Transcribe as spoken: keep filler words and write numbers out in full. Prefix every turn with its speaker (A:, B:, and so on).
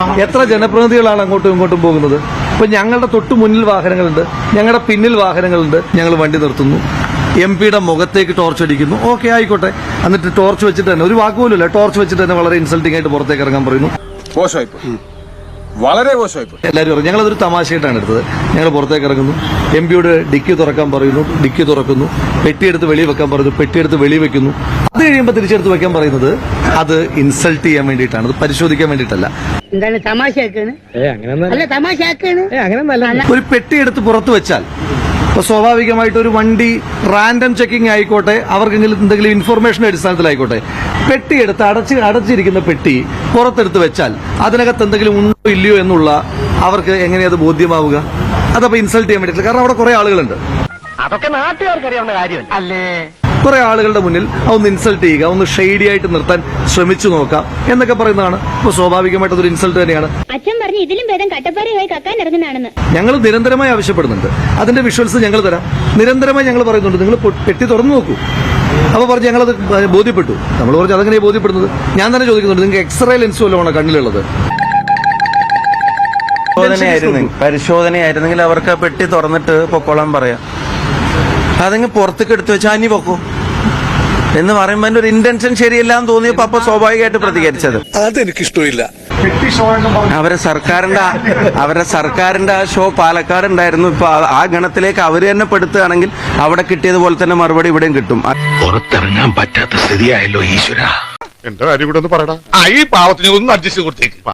A: എത്ര ജനപ്രതിനിധികളാണ് അങ്ങോട്ടും ഇങ്ങോട്ടും പോകുന്നത്? ഇപ്പൊ ഞങ്ങളുടെ തൊട്ടു മുന്നിൽ വാഹനങ്ങളുണ്ട്, ഞങ്ങളുടെ പിന്നിൽ വാഹനങ്ങളുണ്ട്. ഞങ്ങൾ വണ്ടി നിർത്തുന്നു, എം പിയുടെ മുഖത്തേക്ക് ടോർച്ച് അടിക്കുന്നു. ഓക്കെ, ആയിക്കോട്ടെ. എന്നിട്ട് ടോർച്ച് വെച്ചിട്ട് തന്നെ, ഒരു വാക്കുപോലുമില്ല, ടോർച്ച് വെച്ചിട്ട് തന്നെ വളരെ ഇൻസൾട്ടിംഗ് ആയിട്ട് പുറത്തേക്ക് ഇറങ്ങാൻ പറയുന്നു.
B: മോശമായിപ്പോയി, വളരെ മോശമായിപ്പോയി.
A: എല്ലാവരും പറയും. ഞങ്ങളതൊരു തമാശയായിട്ടാണ് എടുത്തത്. ഞങ്ങൾ പുറത്തേക്ക് ഇറങ്ങുന്നു, എം പിയുടെ ഡിക്കി തുറക്കാൻ പറയുന്നു, ഡിക്കി തുറക്കുന്നു, പെട്ടിയെടുത്ത് വെളി വെക്കാൻ പറയുന്നു, പെട്ടിയെടുത്ത് വെളി വെക്കുന്നു. അത് കഴിയുമ്പോൾ തിരിച്ചെടുത്ത് വെക്കാൻ പറയുന്നത് അത് ഇൻസൾട്ട് ചെയ്യാൻ വേണ്ടിയിട്ടാണ്, അത് പരിശോധിക്കാൻ വേണ്ടിയിട്ടല്ല.
C: എന്താണ് തമാശയാക്കാണ്? അല്ല, തമാശയാക്കാണ്.
A: ഒരു പെട്ടിയെടുത്ത് പുറത്ത് വെച്ചാൽ ഇപ്പൊ സ്വാഭാവികമായിട്ട് ഒരു വണ്ടി റാൻഡം ചെക്കിംഗ് ആയിക്കോട്ടെ, അവർക്കെങ്കിലും എന്തെങ്കിലും ഇൻഫർമേഷൻ അടിസ്ഥാനത്തിലായിക്കോട്ടെ, പെട്ടിയെടുത്ത് അടച്ച് അടച്ചിരിക്കുന്ന പെട്ടി പുറത്തെടുത്ത് വെച്ചാൽ അതിനകത്ത് എന്തെങ്കിലും ഉണ്ടോ ഇല്ലയോ എന്നുള്ള അവർക്ക് എങ്ങനെയത് ബോധ്യമാവുക? അതപ്പോ ഇൻസൾട്ട് ചെയ്യാൻ വേണ്ടിയിട്ടില്ല. കാരണം അവിടെ കുറെ ആളുകളുണ്ട്.
C: അതൊക്കെ നാട്ടുകാർക്ക് അറിയാവുന്ന കാര്യം അല്ലേ?
A: കുറെ ആളുകളുടെ മുന്നിൽ അതൊന്ന് ഇൻസൾട്ട് ചെയ്യുക, ഒന്ന് ഷെയ്ഡി ആയിട്ട് നിർത്താൻ ശ്രമിച്ചു നോക്കാം എന്നൊക്കെ പറയുന്നതാണ്. ഇപ്പൊ സ്വാഭാവികമായിട്ട് അതൊരു ഇൻസൾട്ട് തന്നെയാണ്.
D: അച്ഛൻ പറഞ്ഞു ഇതിലും ഭേദം കട്ടപ്പാറയായി കക്കാൻ ഇറങ്ങുന്നതാണെന്ന്.
A: ഞങ്ങൾ നിരന്തരമായി ആവശ്യപ്പെടുന്നുണ്ട്. അതിന്റെ വിഷ്വൽസ് ഞങ്ങൾ തരാം. നിരന്തരമായി ഞങ്ങൾ പറയുന്നുണ്ട്, നിങ്ങൾ പെട്ടി തുറന്നു നോക്കൂ. അപ്പൊ പറഞ്ഞു ഞങ്ങളത് ബോധ്യപ്പെട്ടു. നമ്മൾ പറഞ്ഞു അതെങ്ങനെയാണ് ബോധ്യപ്പെടുന്നത്? ഞാൻ തന്നെ ചോദിക്കുന്നുണ്ട്, നിങ്ങൾക്ക് എക്സ്റേ ലെൻസ് വല്ലതുമാണ് കണ്ണിലുള്ളത്?
E: പരിശോധനയായിരുന്നെങ്കിൽ അവർക്ക് പെട്ടി തുറന്നിട്ട് പൊക്കോളാൻ പറയാം. അതെങ്കിൽ പുറത്തേക്ക് എടുത്തു വെച്ചാൽ അനി പൊക്കോ എന്ന് പറയുമ്പോ എന്റെ ഒരു ഇന്റൻഷൻ ശരിയല്ല എന്ന് തോന്നിയപ്പോ അപ്പൊ സ്വാഭാവികമായിട്ട് പ്രതികരിച്ചത്.
B: അതെനിക്കിഷ്ടമില്ല.
E: അവരെ സർക്കാരിന്റെ അവരെ സർക്കാരിന്റെ ആ ഷോ പാലക്കാട് ഉണ്ടായിരുന്നു. ഇപ്പൊ ആ ഗണത്തിലേക്ക് അവര് തന്നെ പെടുത്തുകയാണെങ്കിൽ അവിടെ കിട്ടിയതുപോലെ തന്നെ മറുപടി ഇവിടെയും കിട്ടും.
F: പുറത്തിറങ്ങാൻ പറ്റാത്ത സ്ഥിതിയായല്ലോ ഈശ്വര.
B: എന്റെ കാര്യം കൂടെ ഒന്ന് പറയടാ. ഈ പാവത്തിന് ഒന്ന് അഡ്ജസ്റ്റ് കൊടുത്തേക്ക്.